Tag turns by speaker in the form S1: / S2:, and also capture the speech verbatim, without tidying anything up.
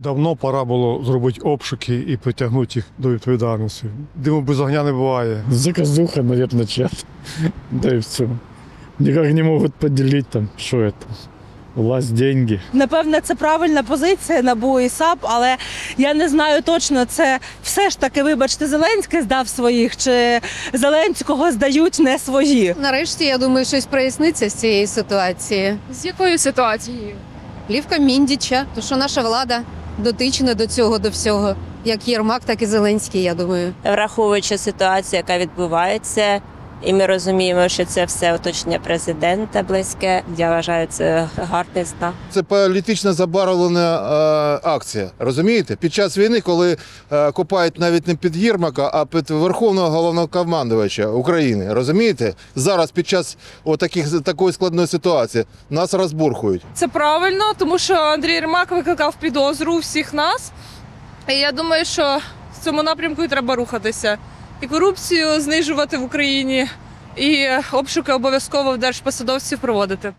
S1: Давно пора було зробити обшуки і притягнути їх до відповідальності. Диму без огня не буває.
S2: Заказуха, наверное, чат. Да и все. Никак не могут поделить там, что это. Власть, деньги.
S3: Напевне, це правильна позиція НАБУ і САП, але я не знаю точно, це все ж таки, вибачте, Зеленський здав своїх, чи Зеленського здають не свої.
S4: Нарешті, я думаю, щось проясниться з цієї ситуації.
S5: З якою ситуацією?
S4: Плівка Міндіча, то що наша влада дотична до цього, до всього. Як Єрмак, так і Зеленський, я думаю.
S6: Враховуючи ситуацію, яка відбувається, і ми розуміємо, що це все оточення президента близьке. Я вважаю, це гарний знак.
S7: Це політично забарвлена е, акція. Розумієте? Під час війни, коли е, копають навіть не під Єрмака, а під Верховного Головнокомандувача України. Розумієте? Зараз під час отаких, такої складної ситуації нас розбурхують.
S5: Це правильно, тому що Андрій Єрмак викликав підозру у всіх нас. І я думаю, що в цьому напрямку і треба рухатися. І корупцію знижувати в Україні, і обшуки обов'язково в держпосадовців проводити.